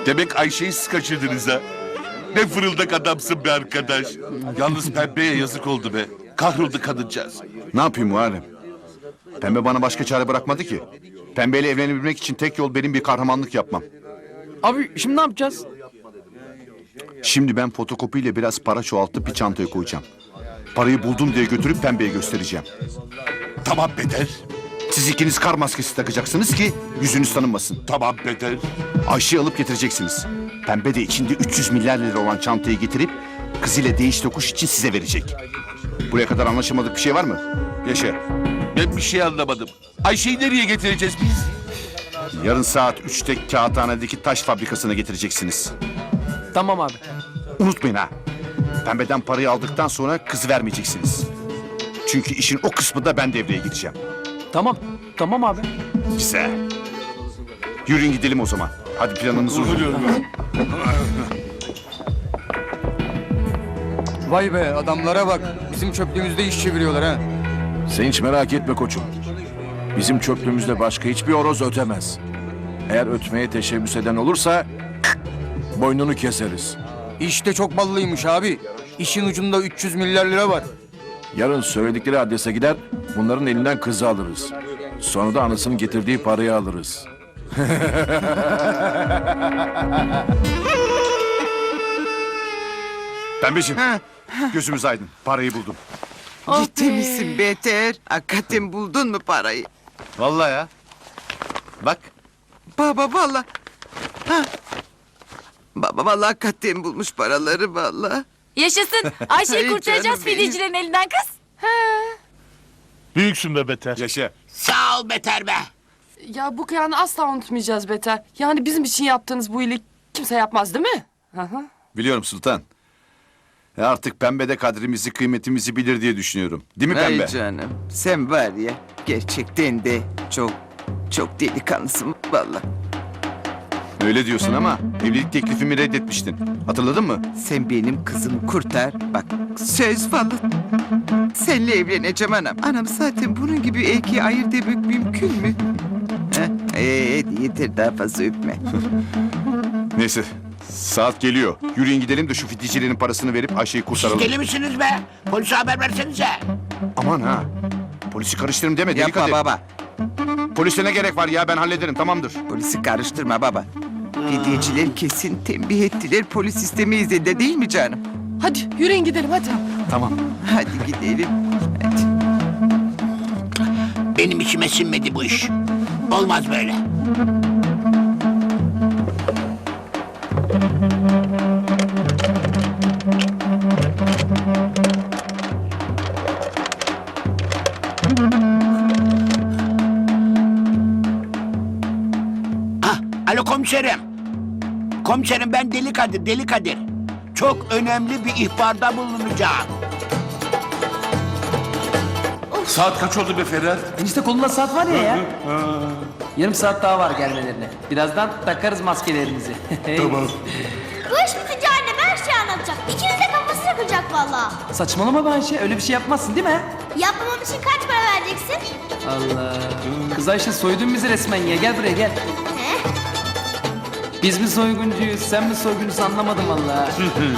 Demek Ayşe'yi siz kaçırdınız ha. Ne fırıldak adamsın be arkadaş. Yalnız Pembe'ye yazık oldu be. Kahroldu kadıncağız. Ne yapayım Muharrem? Pembe bana başka çare bırakmadı ki. Pembeyle evlenebilmek için tek yol benim bir kahramanlık yapmam. Abi şimdi ne yapacağız? Şimdi ben fotokopiyle biraz para çoğaltıp bir çantaya koyacağım. Parayı buldum diye götürüp Pembe'ye göstereceğim. Tamam Beter. Siz ikiniz kar maskesi takacaksınız ki yüzünüz tanınmasın. Tamam Beter. Ayşe'yi alıp getireceksiniz. Pembe de içinde 300 milyar lira olan çantayı getirip kızıyla değiş tokuş için size verecek. Buraya kadar anlaşamadık bir şey var mı? Yaşa. Ben bir şey anlamadım. Ayşe'yi nereye getireceğiz biz? Yarın saat 3'te Kağıthane'deki taş fabrikasına getireceksiniz. Tamam abi. Unutmayın ha. Pembeden parayı aldıktan sonra kızı vermeyeceksiniz. Çünkü işin o kısmında ben devreye gireceğim. Tamam. Tamam abi. Güzel. Yürüyün gidelim o zaman. Hadi planımızı uygulayalım. Vay be adamlara bak. Bizim çöplüğümüzde iş çeviriyorlar ha. Sen hiç merak etme koçum. Bizim çöplüğümüzde başka hiçbir horoz ötemez. Eğer ötmeye teşebbüs eden olursa boynunu keseriz. İşte çok ballıymış abi. İşin ucunda 300 milyar lira var. Yarın söyledikleri adrese gider, bunların elinden kızı alırız. Sonra da anasının getirdiği parayı alırız. Pembeciğim, gözümüz aydın. Parayı buldum. Ciddi misin Beter? Hakikaten buldun mu parayı? Vallahi ya. Bak. Baba valla. Ha. Baba valla hakikaten bulmuş paraları valla. Yaşasın. Ayşe'yi Ay kurtaracağız canım benim. fidyecilerin elinden kız. Büyüksün be Beter. Yaşa. Sağ ol Beter be. Ya bu kıyanı asla unutmayacağız Beter. Yani bizim için yaptığınız bu iyilik kimse yapmaz değil mi? Biliyorum Sultan. Artık Pembe de kadrimizi, kıymetimizi bilir diye düşünüyorum. Değil mi Pembe? Ay canım sen var ya gerçekten de çok delikanlısın valla. Öyle diyorsun ama evlilik teklifimi reddetmiştin. Hatırladın mı? Sen benim kızımı kurtar. Bak söz valla. Seninle evleneceğim anam. Anam zaten bunun gibi erkeği ayırt etmek mümkün mü? Yeter daha fazla öpme. Neyse. Saat geliyor. Yürüyün gidelim de şu fidyecilerin parasını verip Ayşe'yi Siz kurtaralım. deli misiniz be? Polise haber versenize. Aman ha. Polisi karıştırırım deme deli Yapma Kadir. baba. Polise ne gerek var ya ben hallederim tamamdır. Polisi karıştırma baba. Fidyeciler kesin tembih ettiler. Polis istemeyiz de değil mi canım? Hadi yürüyün gidelim hadi. Tamam. Hadi gidelim. Hadi. Benim içime sinmedi bu iş. Olmaz böyle. Ah, alo komiserim. Komiserim ben Deli Kadir. Çok önemli bir ihbarda bulunacağım. Saat kaç oldu be Ferhat? Enişte kolunda saat var ya. Yarım saat daha var gelmelerine. Birazdan takarız maskelerimizi. Tamam. Bu iş bitince annem her şeyi anlatacak. İkiniz de kafası yakacak valla. Saçmalama be Ayşe. Öyle bir şey yapmazsın değil mi? Yapmamam için kaç para vereceksin? Allah. Kız Ayşe soydun bizi resmen ya. Gel buraya gel. He? Biz mi soyguncuyuz, sen mi soyguncusun anlamadım vallahi.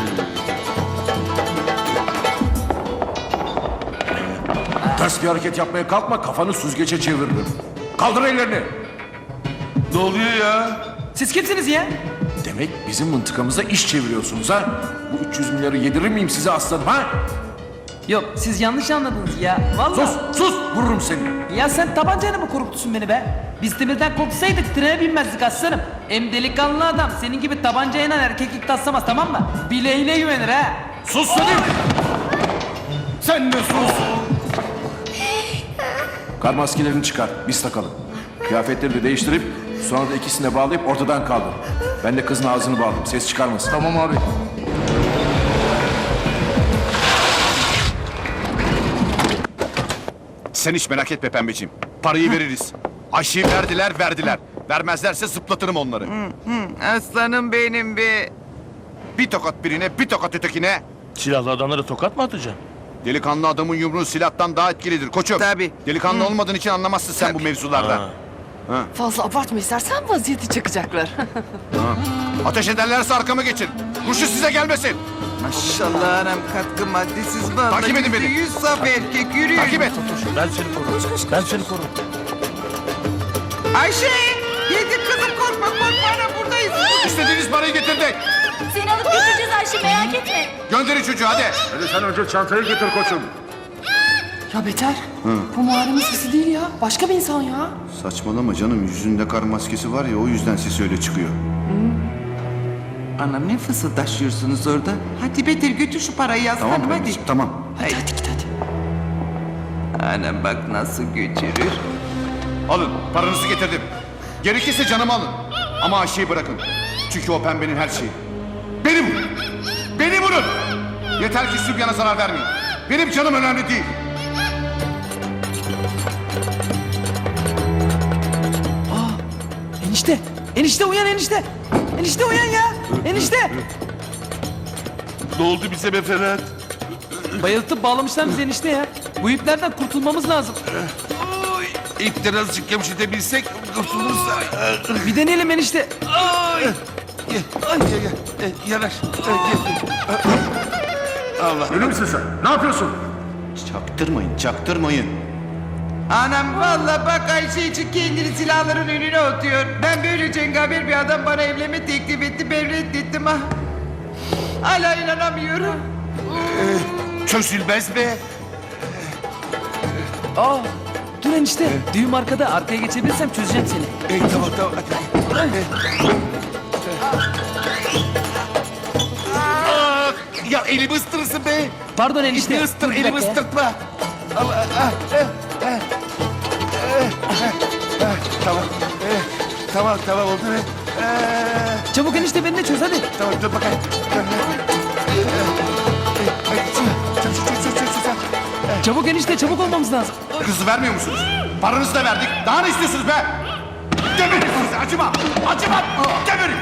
Ters bir hareket yapmaya kalkma, kafanı süzgece çeviririm. Kaldır ellerini. Ne oluyor ya? Siz kimsiniz ya? Demek bizim mıntıkamıza iş çeviriyorsunuz ha? Bu 300 milyarı yedirir miyim size aslanım ha? Yok siz yanlış anladınız ya. Vallahi. Sus, vururum seni. Ya sen tabancayla mı korkutsun beni be? Biz demirden korksaydık trene binmezdik aslanım. Hem delikanlı adam senin gibi tabancayla erkeklik taslamaz tamam mı? Bileğine güvenir ha. Sus dedim. Sen de sus. Kar maskelerini çıkar, biz takalım. Kıyafetleri de değiştirip sonra da ikisini de bağlayıp ortadan kaldır. Ben de kızın ağzını bağladım, ses çıkarmasın. Tamam abi. Sen hiç merak etme Pembeciğim. Parayı veririz. Ayşe'yi verdiler. Vermezlerse zıplatırım onları. Aslanım benim be. Bir tokat birine, bir tokat ötekine. Silahlı adamlara tokat mı atacaksın? Delikanlı adamın yumruğu silahtan daha etkilidir koçum. Tabii. Delikanlı olmadığın için anlamazsın sen bu mevzulardan. Ha. Fazla abartma istersen vaziyeti çakacaklar. Ateş ederlerse arkamı geçin. Kurşun size gelmesin. Maşallah anam katkı maddesiz vallahi. Takip edin beni. %100 saf erkek yürüyün. Takip et. Ayşe! Yedim kızım korkma ana buradayız. İstediğiniz parayı getirdik. Seni alıp götüreceğiz Ayşe merak etme. Gönderin çocuğu hadi. Ya Beter, bu Muharrem'in sesi değil ya. Başka bir insan ya. Saçmalama canım. Yüzünde kar maskesi var ya o yüzden sesi öyle çıkıyor. Anam ne fısıldaşıyorsunuz orada? Hadi Beter götür şu parayı aslanım Tamam hadi. anneciğim tamam. Hadi hadi git hadi. Anam bak nasıl götürür. Alın paranızı getirdim. Gerekirse canımı alın. Ama Ayşe'yi bırakın. Çünkü o pembenin her şeyi. Beni vurun. Beni vurun. Yeter ki Sübyan'a zarar vermeyin. Benim canım önemli değil. Enişte. Enişte uyan enişte. Enişte uyan ya. Enişte. Ne oldu bize be Ferhat? Bayıltıp bağlamışlar bizi enişte ya. Bu iplerden kurtulmamız lazım. İpten azıcık gevşetebilsek kurtuluruz. Bir deneyelim enişte. Yanaş. Çaktırmayın. Anam vallahi bak Ayşe için kendini silahların önüne atıyor. Ben böyle cengaver bir adam bana evlenme teklif etti. Ben reddettim ha. Hala inanamıyorum. Çözülmez be. Aa, dur enişte. Düğüm arkada. Arkaya geçebilirsem çözeceğim seni. Tamam tamam. Hadi. Ya elimi ısırırsın be. Pardon enişte. İşte ıstır, Dur bir elimi dakika ya. ısırtma. Tamam. Tamam oldu be. Çabuk enişte beni de çöz hadi. Tamam dur bakayım. Çabuk enişte çabuk olmamız lazım. Kızı vermiyor musunuz? Paranızı da verdik. Daha ne istiyorsunuz be? Geberin sizi acımam. Acımam. Geberin.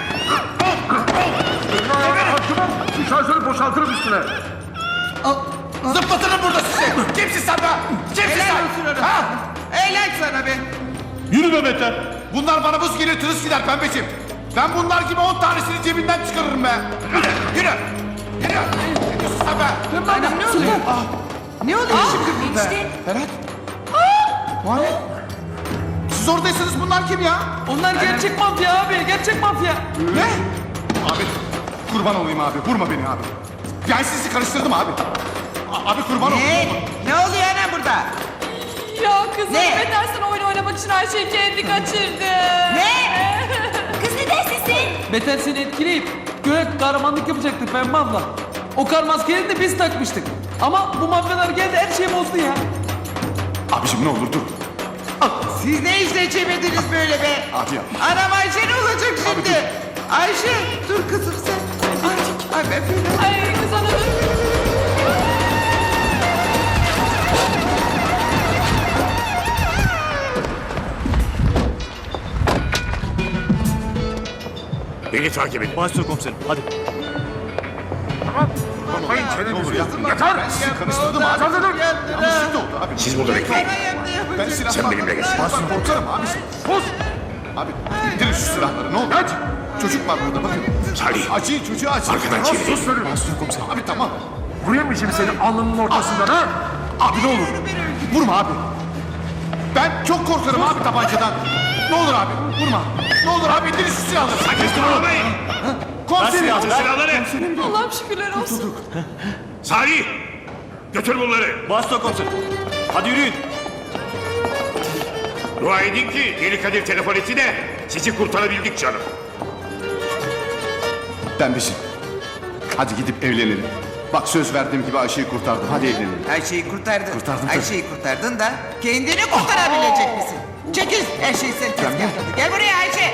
Şarjörü boşaltırım üstüne. Zıplatırım burada sizi. Kimsin sen be? Kimsin Helal sen? olsun ona. Ha? Helal sana be. Yürü be Beter. Bunlar bana buz gelir tırıs gider pembeciğim. Ben bunlar gibi 10 tanesini cebinden çıkarırım be. Yürü. Yürü. Ne diyorsun sen be? Anam ne oluyor? Ne oluyor şimdi burada? Ferhat. Muharrem. Siz oradaysanız bunlar kim ya? Onlar gerçek mafya abi. Gerçek mafya. Ne? Abi kurban olayım abi. Vurma beni abi. Ben sizi karıştırdım abi. Abi kurban olayım. Ne oluyor anam burada? Ya kızım Ne? Beter sen oyun oynamak için her şeyi kendi kaçırdı. Ne? Kız ne dersin sen? Beter seni etkileyip göğe kahramanlık yapacaktı Pembe abla. O kar maskeleri de biz takmıştık. Ama bu mafyalar geldi her şeyi bozdu ya. Abiciğim ne olur dur. Siz ne işle çevirdiniz böyle be? Abi ya. Anam Ayşe ne olacak şimdi? Ayşe dur kızım sen. Ay ben fena. Ay kız ana dur. Beni takip edin. Ne olur yapma. Yeter. Ben sizi karıştırdım abi. Yanlışlık da oldu abi. Siz burada bekleyin. Ben silah Sen benimle gel. Masum korkarım abi. Sus. Abi indirin şu silahları ne olur. Hadi. Çocuk var burada bakın. Salih. Acıyın çocuğu acıyın. Arkadan çevirin. Sus verin. Masum komiserim. Abi tamam. Vurayım mı şimdi senin alnının ortasından ha? Abi ne olur. Vurma abi. Ben çok korkarım abi tabancadan. Ne olur abi vurma. Ne olur abi indirin şu silahları. Teslim olmayın. Komiserim. Silahları. Allah'ım şükürler olsun. Salih. Götür bunları. Basta komiserim. Hadi yürüyün. Dua edin ki Deli Kadir telefon etti de sizi kurtarabildik canım. Pembeciğim. Hadi gidip evlenelim. Bak söz verdiğim gibi Ayşe'yi kurtardım. Hadi evlenelim. Ayşe'yi kurtardın. Kurtardım tabii. Ayşe'yi kurtardın da kendini kurtarabilecek misin? Çekil her şeyi sen tezgahladın. Gel buraya Ayşe.